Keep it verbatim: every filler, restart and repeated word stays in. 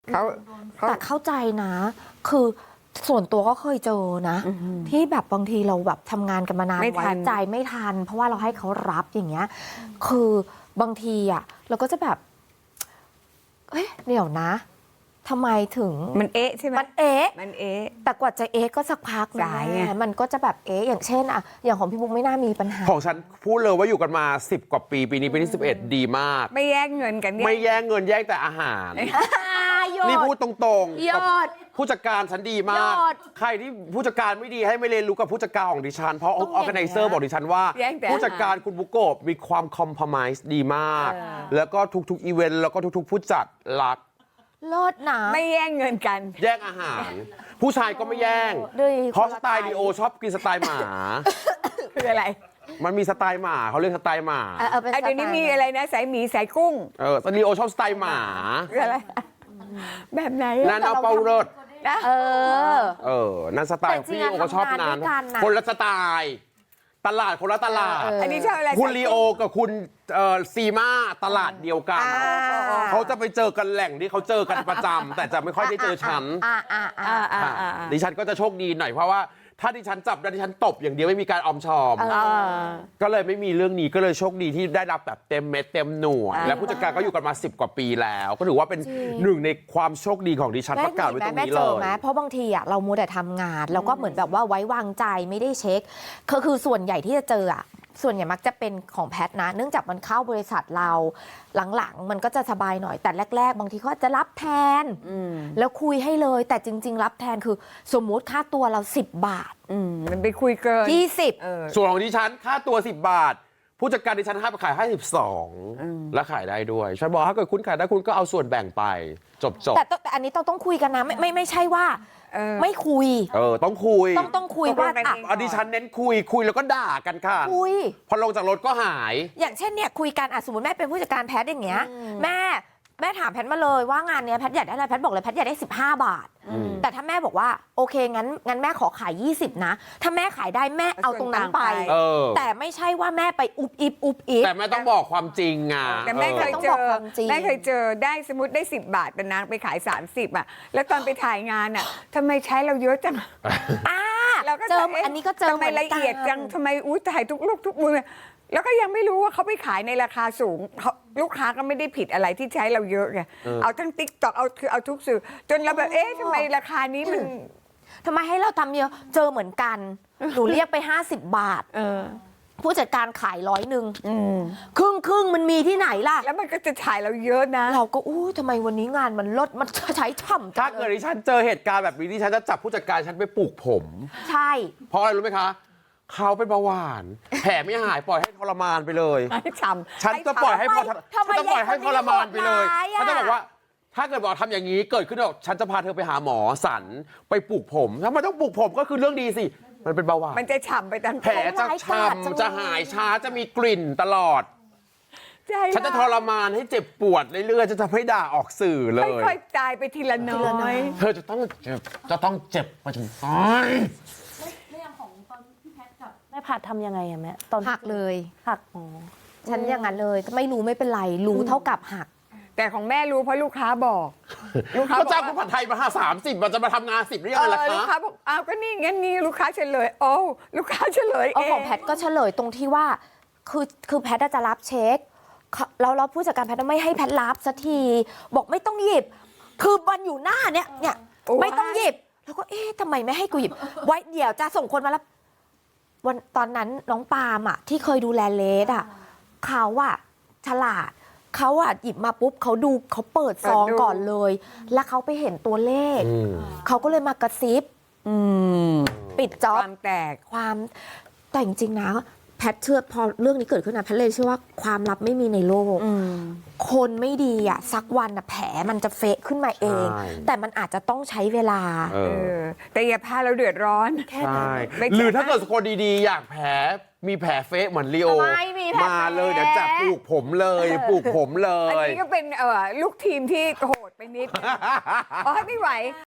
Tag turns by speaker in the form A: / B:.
A: เขา
B: แต่เข้าใจนะ คือส่วนตัวก็เคยเจอนะ ที่แบบบางทีเราแบบทำงานกันมานาน
A: ไม่
B: ไว้
A: ทัน
B: ใจไม่ทัน เพราะว่าเราให้เขารับอย่างเงี้ย คือบางทีอ่ะเราก็จะแบบเอ้ยเดี๋ยวนะทำไมถึง
A: มันเอ๊ะใช่ไหม
B: มันเอ๊ะ
A: มันเอ๊ะ
B: แต่กว่าจะเอ๊ะก็สักพักนะ
A: สายไง
B: มันก็จะแบบเอ๊ะอย่างเช่นอะอย่างของพี่บุ๊กไม่น่ามีปัญหา
C: ของฉันพูดเลยว่าอยู่กันมาสิบกว่าปีปีนี้ปีที่สิบเอ็ดดีมาก
A: ไม่แย่งเงินกัน
C: ไม่แย่งเงินแย่งแต่อาหาร นี่พูดตรงๆ
B: ย
C: กับ
B: อด
C: ผู้จัดการฉันดีมาก
B: ยอด
C: ใครที่ผู้จัดการไม่ดีให้ไม่เรียนรู้กับผู้จัดการของดิฉัน เพราะอ
B: ต้อง
C: อ
B: อย่าง
C: แก
B: เงี้
C: ไน
B: ย
C: เซอร์บอกดิฉันว่า
A: แย่งแต่
C: ผู้จัดการคุณบุโกะมีความคอมพล i s e ดีมาก
A: เออ
C: แล้วก็ทุกๆอีเวนต์แล้วก็ทุกๆ ผู้จัดรัก
B: เลิศนะ
A: ไม่แย่งเงินกัน
C: แย่งอาหาร ผู้ชายก็ไม่แย่ง
B: ด้วย
C: เพราะ
B: คน
C: ส
B: ละ
C: ไตล์
B: ไตล์
C: ลีโอชอบกินสไตล์หมา
A: คืออะไร
C: มันมีสไตล์หมาเขาเรียกสไตล์หมา
B: เออเออเป็น
A: อ่ะเดี๋ยวนี้
B: สไตล์
A: มีอะไรนะสายหมีสายกุ้ง
C: เออแต่ลีโอชอบสไตล์หมา
A: คืออะไร แบบไหน
C: นั่
A: อะ
C: นเอาเปาเลิศ
A: นะ
B: เออ
C: เออ นั่นสไตล์
B: แต่จริง
C: พี่
B: อะ
C: โอก็ชอบ
B: ทำงาน
C: นั้น
B: ด้วยกันน่ะ
C: คนละสไตล์ ตลาดคนละตลาด
B: เออ
A: อันนี้ชอบอะไร
C: คุณลีโอกับคุณเอ่อซีมาตลาดเดียวกัน
A: อ่า
C: เขาจะไปเจอกันแหล่งที่เขาเจอกันประจำ แต่จะไม่ค่อยได้เจอฉัน
B: อ่าอ่าอ่า
A: อ่า
C: ค่ะ
A: อ่าอ่า
C: ดิฉันก็จะโชคดีหน่อยเพราะว่าถ้าดิฉันจับแล้วดิฉันตบอย่างเดียวไม่มีการออมชอม
B: เออ
A: อ่า
C: ก็เลยไม่มีเรื่องนี้ก็เลยโชคดีที่ได้รับแบบเต็มเม็ดเต็มหน่วย
A: อ่า
C: และผู้จัดการก็อยู่กันมาสิบกว่าปีแล้ว ก็ถือว่าเป็นหนึ่งในความโชคดีของดิฉันประกาศไว้ตรง
B: แม่
C: นี้
B: เจ
C: เล
B: อย ไหมเพราะบางทีอ่ะเรามัวแต่ทำงาน แล้วก็เหมือนแบบว่าไว้วางใจไม่ได้เช็คคือคือส่วนใหญ่ที่จะเจออ่ะส่วนใหญ่มักจะเป็นของแพทนะ เนื่องจากมันเข้าบริษัทเราหลังๆ มันก็จะสบายหน่อยแต่แรก ๆ บางทีเขาอาจจะรับแทน
A: อืม
B: แล้วคุยให้เลยแต่จริง ๆ รับแทนคือสมมุติค่าตัวเราสิบบาท
A: อืมมันไปคุยเกิน
B: ยี่สิบ
A: เออ
C: ส่วนของดิฉันค่าตัวสิบบาท ผู้จัดการดิฉันให้ไปขายให้สิบสองและขายได้ด้วยฉันบอกถ้าเกิดคุณขายได้คุณก็เอาส่วนแบ่งไปจบจบ
B: แต่ต้องแต่อันนี้ต้องต้องคุยกันนะไม่ไม่ไม่ใช่ว่า
A: เออ
B: ไม่คุย
C: เออต้องคุย
B: ต้องต้องคุย
A: ตกลง
B: ว่า
A: กัน
B: อ่ะ
A: เอง
C: อดิฉันเน้นคุยคุยแล้วก็ด่ากันค่ะ
B: คุย
C: พอลงจากรถก็หาย
B: อย่างเช่นเนี่ยคุยกันอ่ะสมมติแม่เป็นผู้จัดการแพทย์อย่างเงี้ยแม่แม่ถามแพทย์มาเลยว่างานเนี้ยแพทย์อยากได้อะไรแพทย์บอกเลยแพทย์อยากได้สิบห้าบาท แต่ถ้าแม่บอกว่าโอเคงั้นงั้นแม่ขอขายยี่สิบนะ ถ้าแม่ขายได้แม่เอาตรงนั้นไป
C: เออ
B: แต่ไม่ใช่ว่าแม่ไปอุบอิบอุบอิบ
C: แต่ไม่ต้องบอกความจริงอ่ะ
A: แต่แม่เคย
B: ต้อง
A: เจ
B: บอก
A: อ
B: ความจริง
A: แม่เคยเจอได้สมมติได้สิบบาทแต่นางไปขายสามสิบอ่ะแล้วตอนไปถ่ายงานอ่ะทำไมใช้เราเยอะจัง
B: อ่า
A: เราก็
B: เจอ
A: จะะ
B: อันนี้ก็เจอ
A: ทำไมละเอียดจังทำไมอู้ถ่ายทุกลูกทุกมือแล้วก็ยังไม่รู้ว่าเขาไปขายในราคาสูงเขาลูกค้าก็ไม่ได้ผิดอะไรที่ใช้เราเยอะไงเอาทั้งติ๊กต็อกเอาคือเอาทุกสื่อจนเราแบบเอ๊ะทำไมราคานี้มัน
B: ทำไมให้เราทำเยอะเจอเหมือนกันหนูเรียกไปห้าสิบบาท
A: เออ
B: ผู้จัดการขายร้อยหนึ่ง
A: อืม
B: ครึ่งครึ่งมันมีที่ไหนล่ะ
A: แล้วมันก็จะถ่ายเราเยอะนะ
B: เราก็อู้ทำไมวันนี้งานมันลดมันใช้ช่ำจั
C: ถ้าง เกิดดิฉันเจอเหตุการณ์แบบนี้ดิฉันจะจับผู้จัดการฉันไปปลูกผม
B: ใช่
C: เพราะอะไรรู้ไหมคะ เขาเป็นเบาหวาน แผลไม่หายปล่อยให้ทรมานไปเลย
A: ให้ฉ่ำ
C: ฉันจะปล่อยให้พอ
B: ทำไม
C: ฉันจะปล่อยให้ทรมานไปเลย
B: ทำไมยายคนนี้โหดร้ายอะ
C: เขาจะบอกว่า ถ้าเกิดบอกทำอย่างนี้เกิดขึ้นบอกฉันจะพาเธอไปหาหมอสันไปปลูกผมถ้ามันต้องปลูกผมก็คือเรื่องดีสิ มันเป็นเบาหวาน
A: มันจะฉ่ำไปตาม
C: แผลจะช้ำจะหายช้าจะมีกลิ่นตลอด
A: ใจ
C: ฉันจะทรมานให้เจ็บปวดเรื่อยๆจะทำให้ด่าออกสื่อเลย
A: ค่อยๆตายไปทีละน้อย
C: เธอจะต้องเจ็บจะต้องเจ็บไปจนตาย
D: แล้วอย่างของตอนพี่แพทกับแม่ผัดทำยังไงอะแม่ตอน
B: หักเลย
D: หักอ๋อ
B: ฉันอย่างนั้นเลยไม่รู้ไม่เป็นไร รู้เท่ากับหัก
A: แต่ของแม่รู้เพราะลูกค้าบอก ลูกค้า
C: ก็
A: บอก
C: จ้างคุณผัดไทยมาห้าสามสิบมันจะมาทำงานสิบได้ยัง
A: เอ
C: ไงล่ะ
A: อลูก
C: คะ
A: ค้าบอกอ้าวก็นี่งั้นนี่ลูกค้าเฉลยโอ้ลูกค้าเฉลย
B: เอา
A: เอ
B: ของ งแพทก็เฉลยตรงที่ว่าคือคือแพทจะรับเช็คเขาแล้วเราผู้จัดการแพทไม่ให้แพทรับสักทีบอกไม่ต้องหยิบ คือมันอยู่หน้าเนี่ยเนี่ยไม่ต้องหยิบ แล้วก็เอ๊ะทำไมไม่ให้กูหยิบ ไว้เดี๋ยวจะส่งคนมารับวันตอนนั้นน้องปาล์มอ่ะที่เคยดูแลเลสอ่ะเขาอ่ะฉลาดเขาอ่ะหยิบมาปุ๊บเขาดูเขาเปิดซองก่อนเลย แล้วเขาไปเห็นตัวเลข
C: อืม
B: เขาก็เลยมากระซิบ
A: อืม
B: ปิดจ็อบ
A: ความแตก
B: ความแต่จริงๆนะแพทเชื่อพอเรื่องนี้เกิดขึ้นนะแพทเลยเชื่อว่าความลับไม่มีในโลก
A: อืม
B: คนไม่ดีอ่ะสักวันอ่ะแผลมันจะเฟะขึ้นมาเอง
C: ใช่
B: แต่มันอาจจะต้องใช้เวลา
C: เอ
A: เอ
C: อ
A: อ แต่อย่าพาเราเดือดร้อน
B: แค่
C: ใช่
B: นั้น
A: ไม่ใช่
C: หรือถ้าเกิดคนดีๆ อยากแผลมีแผลเฟะเหมือนลีโอ
B: ไม่มีแผล
C: มาเลยเดี๋ยวจับปลูกผมเลยปลูกผมเล
A: อัน
C: ย
A: นี้ก็เป็นเออลูกทีมที่โหดไปนิดนึงอ๋อไม่ไหว